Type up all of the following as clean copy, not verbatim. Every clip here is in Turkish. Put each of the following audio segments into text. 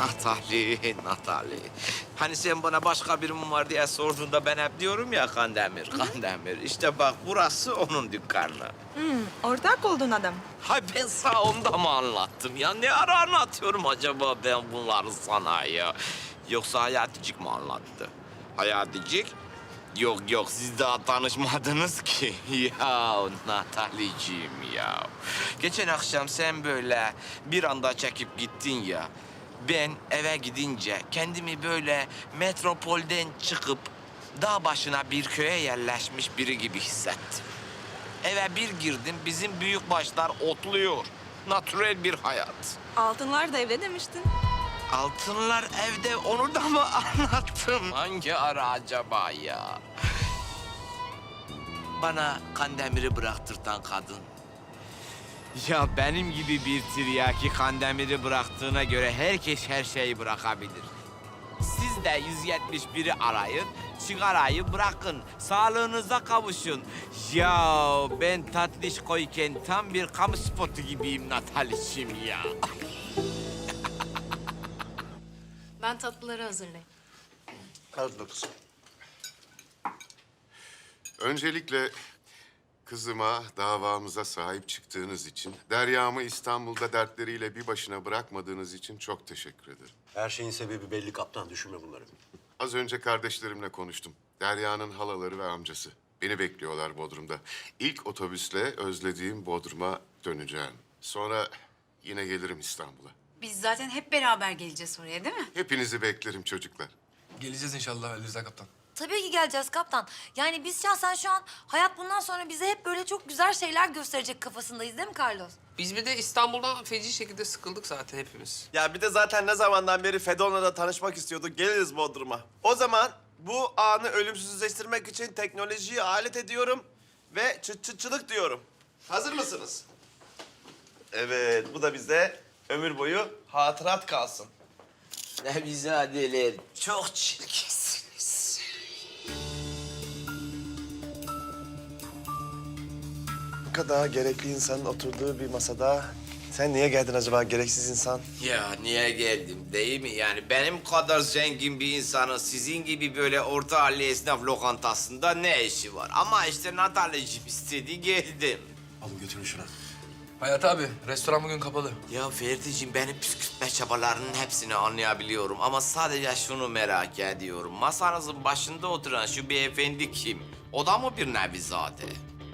Natali. Hani sen bana başka birim var diye sorduğunda ben hep diyorum ya Kandemir, Kandemir. İşte bak burası onun dükkanı. Ortak oldun adam. Hay ben sana onu da mı anlattım ya? Ne ara anlatıyorum acaba ben bunları sana ya? Yoksa Hayaticik mi anlattı? Hayaticik? Yok siz daha tanışmadınız ki. Ya Nataliciğim ya. Geçen akşam sen böyle bir anda çekip gittin ya. Ben eve gidince kendimi böyle metropolden çıkıp dağ başına bir köye yerleşmiş biri gibi hissettim. Eve bir girdim, bizim büyükbaşlar otluyor. Natürel bir hayat. Altınlar da evde demiştin. Altınlar evde, onu da mı anlattım? Hangi ara acaba ya? Bana Kandemir'i bıraktırtan kadın. Ya benim gibi bir tiryaki Kandemir'i bıraktığına göre herkes her şeyi bırakabilir. Siz de 171'i arayın, sigarayı bırakın, sağlığınıza kavuşun. Ya ben tatlış koyken tam bir kamu spotu gibiyim Nataliciğim ya. Ben tatlıları hazırlayayım. Hadi kızım. Öncelikle kızıma, davamıza sahip çıktığınız için, Derya'mı İstanbul'da dertleriyle bir başına bırakmadığınız için çok teşekkür ederim. Her şeyin sebebi belli kaptan. Düşünme bunları. Az önce kardeşlerimle konuştum. Derya'nın halaları ve amcası. Beni bekliyorlar Bodrum'da. İlk otobüsle özlediğim Bodrum'a döneceğim. Sonra yine gelirim İstanbul'a. Biz zaten hep beraber geleceğiz oraya değil mi? Hepinizi beklerim çocuklar. Geleceğiz inşallah Ali Rıza Kaptan. Tabii ki geleceğiz kaptan. Yani biz şahsen şu an hayat bundan sonra bize hep böyle çok güzel şeyler gösterecek kafasındayız değil mi Carlos? Biz bir de İstanbul'dan feci şekilde sıkıldık zaten hepimiz. Ya bir de zaten ne zamandan beri Fedon'la tanışmak istiyorduk. Geliriz Bodrum'a. O zaman bu anı ölümsüzleştirmek için teknolojiyi alet ediyorum ve çıt diyorum. Hazır mısınız? Evet, bu da bize ömür boyu hatırat kalsın. Nevizadeler çok çirkinsiniz. Bu kadar gerekli insanın oturduğu bir masada sen niye geldin acaba gereksiz insan? Ya niye geldim değil mi? Yani benim kadar zengin bir insanın sizin gibi böyle orta halli esnaf lokantasında ne işi var? Ama işte Nataliciğim istedi geldim. Alın götürün şuna. Hayat abi, restoran bugün kapalı. Ya Ferdi'ciğim benim püskürtme çabalarının hepsini anlayabiliyorum. Ama sadece şunu merak ediyorum. Masanızın başında oturan şu beyefendi kim? O da mı bir Nevizade?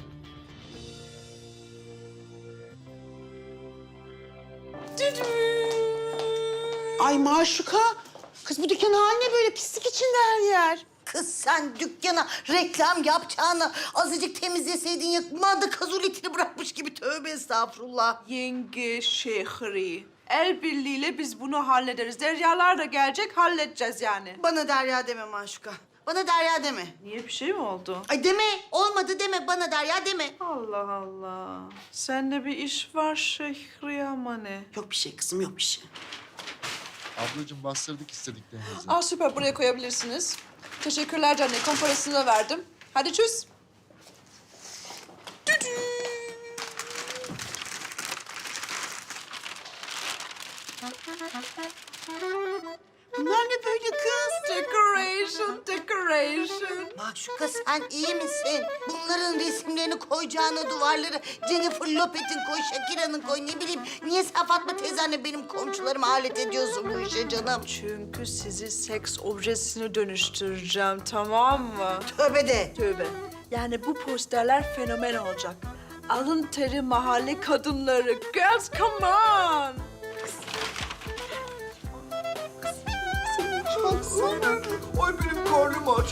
Ay Maşuka, kız bu dükkanın haline böyle pislik içinde her yer. Kız sen dükkana reklam yapacağını azıcık temizleseydin yakmadı kazuletini bırakmış gibi tövbe estağfurullah. Yenge Şehri. El birliğiyle biz bunu hallederiz. Deryalar da gelecek, halledeceğiz yani. Bana Derya deme Maşuka. Bana Derya deme. Niye bir şey mi oldu? Ay deme, olmadı deme, bana Derya deme. Allah Allah. Sende bir iş var Şehri ama ne? Yok bir şey kızım, yok bir şey. Ablacığım bastırdık istediklerinizi. Aa süper, buraya koyabilirsiniz. Teşekkürler canım, komparasını da verdim. Hadi çöz. Bunlar ne böyle kız? Decoration. Maşuka sen iyi misin? Bunların resimlerini koyacağına duvarları Jennifer Lopez'in koy, Shakira'nın koy, ne bileyim. Niye sen Fatma teyzenle benim komşularımı alet ediyorsun bu işe canım? Çünkü sizi seks objesine dönüştüreceğim, tamam mı? Tövbe de. Tövbe. Yani bu posterler fenomen olacak. Alın teri mahalle kadınları. Girls, come on! Ay benim karnım aç.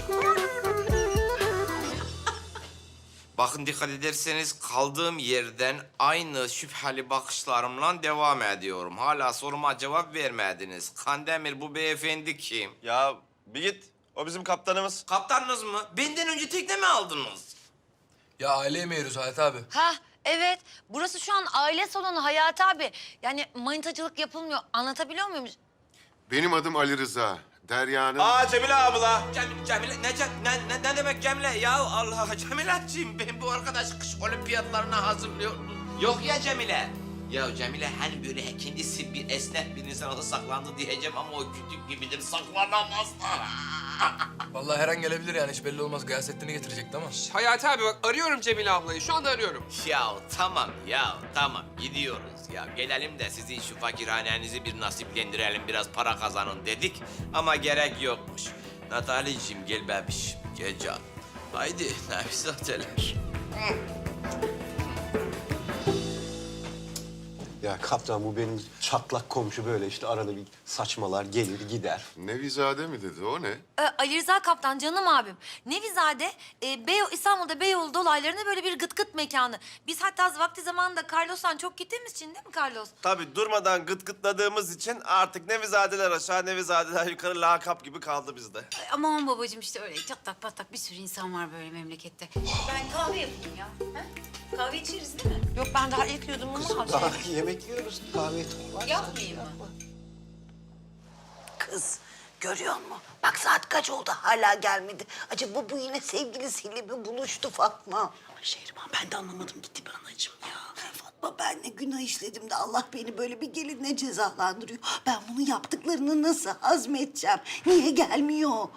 Bakın dikkat ederseniz kaldığım yerden aynı şüpheli bakışlarımla devam ediyorum. Hala soruma cevap vermediniz. Kandemir bu beyefendi kim? Ya bir git. O bizim kaptanımız. Kaptanınız mı? Benden önce tekne mi aldınız? Ya aile yemeği yiyoruz Hayat abi. Ha evet. Burası şu an aile salonu Hayati abi. Yani manitacılık yapılmıyor. Anlatabiliyor muyum? Benim adım Ali Rıza. Derya'nın... Aa Cemile abla. Cemile, ne demek Cemile? Ya Allah, Cemile'ciğim ben bu arkadaş kış olimpiyatlarına hazırlıyorum. Yok ya Cemile. Ya Cemile hani böyle kendisi bir esnek bir insan olsa saklandı diyeceğim ama o kütük gibidir saklanamaz. Vallahi her an gelebilir yani hiç belli olmaz. Gıyasettin'i getirecekti ama. Hayati abi bak arıyorum Cemile ablayı. Şu anda arıyorum. Ya tamam gidiyoruz ya. Gelelim de sizin şu fakirhanenizi bir nasiplendirelim biraz para kazanın dedik ama gerek yokmuş. Nataliciğim gel bebiş gel canım. Haydi Nevizadeler. Ya kaptan bu benim çatlak komşu böyle işte arada bir saçmalar gelir gider. Nevizade mi dedi, o ne? Ali Rıza Kaptan canım abim. Nevizade İstanbul'da Beyoğlu dolaylarında böyle bir gıt gıt mekanı. Biz hatta vakti zamanında Carlos'tan çok gittiğimiz için değil mi Carlos? Tabii durmadan gıt gıtladığımız için artık Nevizadeler aşağı, Nevizadeler yukarı lakap gibi kaldı bizde. Aman babacığım işte öyle çatlak patlak bir sürü insan var böyle memlekette. Ben kahve yapayım ya. Ha? Kahve içeriz değil mi? Yok ben daha ilk yudum ama Daha yemek yiyoruz kahve var. Yapmayayım mı? Kız görüyor musun? Bak saat kaç oldu hala gelmedi. Acaba bu yine sevgilisiyle mi buluştu Fatma? Ama Şehriban ben de anlamadım gitti be anacığım ya. Fatma ben ne günah işledim de Allah beni böyle bir gelinle cezalandırıyor. Ben bunu yaptıklarını nasıl hazmedeceğim? Niye gelmiyor?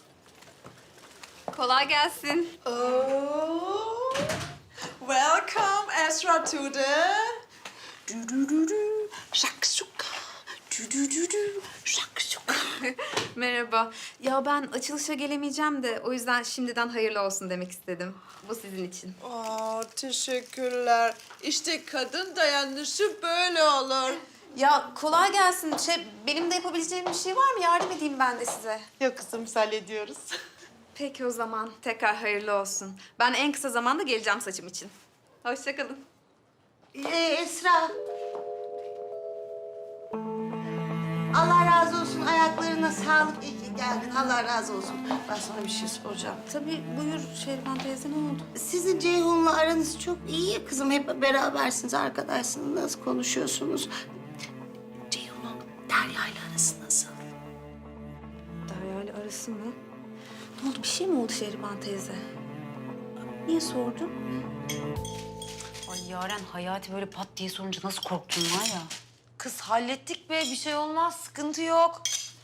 Kolay gelsin. Oh, welcome Esra to the... Şakşuka. Şakşuka. Merhaba. Ya ben açılışa gelemeyeceğim de o yüzden şimdiden hayırlı olsun demek istedim. Bu sizin için. Aa, teşekkürler. İşte kadın dayanışı böyle olur. Ya kolay gelsin. Benim de yapabileceğim bir şey var mı? Yardım edeyim ben de size. Yok kızım biz hallediyoruz. Peki o zaman. Tekrar hayırlı olsun. Ben en kısa zamanda geleceğim saçım için. Hoşça kalın. Esra. Allah razı olsun. Ayaklarına sağlık. İyi ki geldin. Allah razı olsun. Ben sana bir şey soracağım. Tabii buyur Şehriban teyze ne oldu? Sizin Ceyhun'la aranız çok iyi ya kızım. Hep berabersiniz, arkadaşsınız. Nasıl konuşuyorsunuz? Ceyhun'un Derya'yla arası nasıl? Derya ile arası mı? Ne oldu? Bir şey mi oldu Şehriban teyze? Niye sordun? Ay Yaren, Hayati böyle pat diye sorunca nasıl korktun var ya. Kız hallettik be bir şey olmaz sıkıntı yok.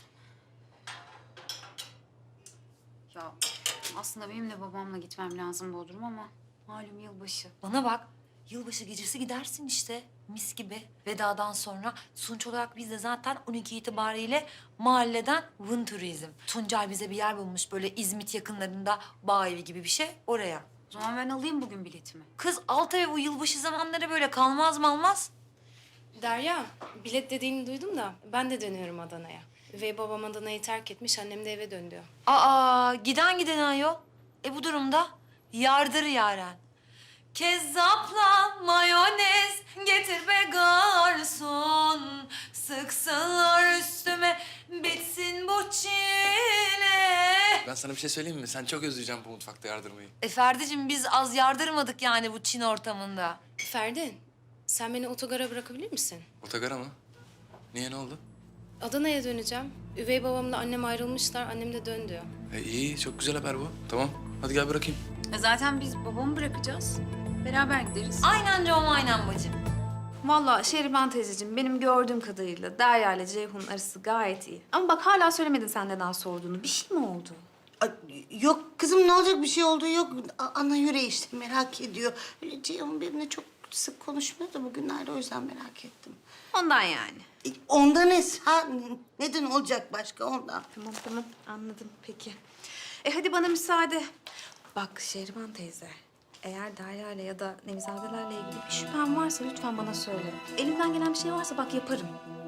Ya aslında benim de babamla gitmem lazım Bodrum ama malum yılbaşı. Bana bak yılbaşı gecesi gidersin işte mis gibi vedadan sonra. Sonuç olarak biz de zaten 12 itibariyle mahalleden Vın Turizm. Tuncay bize bir yer bulmuş böyle İzmit yakınlarında bağ evi gibi bir şey oraya. O zaman ben alayım bugün biletimi. Kız alt eve bu yılbaşı zamanları böyle kalmaz mı almaz? Derya, bilet dediğini duydum da ben de dönüyorum Adana'ya. Üvey babam Adana'yı terk etmiş, annem de eve dön diyor. Aa giden giden ayol. Bu durumda yardır yaren. Kezzapla mayonez getir be garson. Sıksınlar üstüme bitsin bu çile. Ben sana bir şey söyleyeyim mi? Sen çok özleyeceksin bu mutfakta yardırmayı. Ferdi'cim biz az yardırmadık yani bu Çin ortamında. Ferdi, sen beni otogara bırakabilir misin? Otogara mı? Niye ne oldu? Adana'ya döneceğim. Üvey babamla annem ayrılmışlar, annem de dön diyor. İyi çok güzel haber bu. Tamam hadi gel bırakayım. Zaten biz babamı bırakacağız. Beraber gideriz. Aynen Com aynen bacım. Vallahi Şehriban teyzeciğim benim gördüğüm kadarıyla Derya ile Ceyhun'un arası gayet iyi. Ama bak hala söylemedin sen neden sorduğunu. Bir şey mi oldu? Ay, yok kızım ne olacak bir şey olduğu yok. Ana yüreği işte merak ediyor. Öyle Ceyhun benimle çok sık konuşmuyor da bugünlerde o yüzden merak ettim. Ondan yani. Ondan Esra. Neden olacak başka ondan? Tamam anladım peki. Hadi bana müsaade. Bak Şehriban teyze. Eğer Derya ile ya da Nevizadelerle ilgili bir şüphen varsa lütfen bana söyle. Elimden gelen bir şey varsa bak yaparım.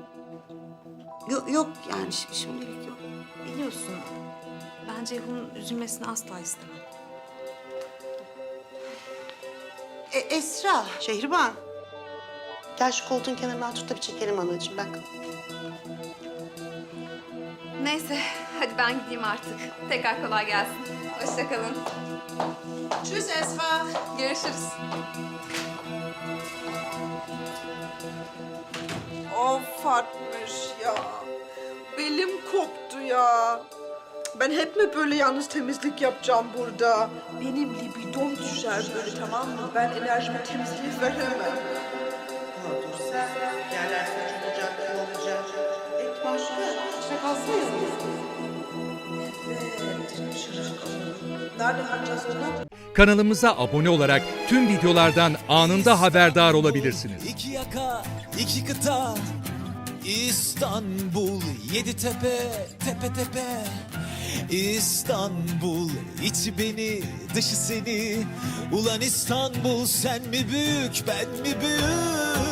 Yok yani şimdilik yok. Biliyorsun ben Ceyhun'un üzülmesini asla istemem. Esra. Şehriban. Gel şu koltuğun kenarından tut da bir çekelim anacığım bak. Neyse hadi ben gideyim artık. Tekrar kolay gelsin. Hoşça kalın. Tschüss Esra. Görüşürüz. Of Fatmış ya. Belim koptu ya. Ben hep mi böyle yalnız temizlik yapacağım burada? Benim libidom düşer böyle tamam mı? Ben enerjimi temizliğe veremem. Ya dur yerler saçılacak, olacak. Et başka, işte kalsın yanımızda. Evet, çırak. Nerede yapacağız onu? Kanalımıza abone olarak tüm videolardan anında haberdar olabilirsiniz. İki yaka, iki kıta, İstanbul, yedi tepe, tepe tepe. İstanbul, içi beni, dışı seni. Ulan İstanbul, sen mi büyük, ben mi büyük?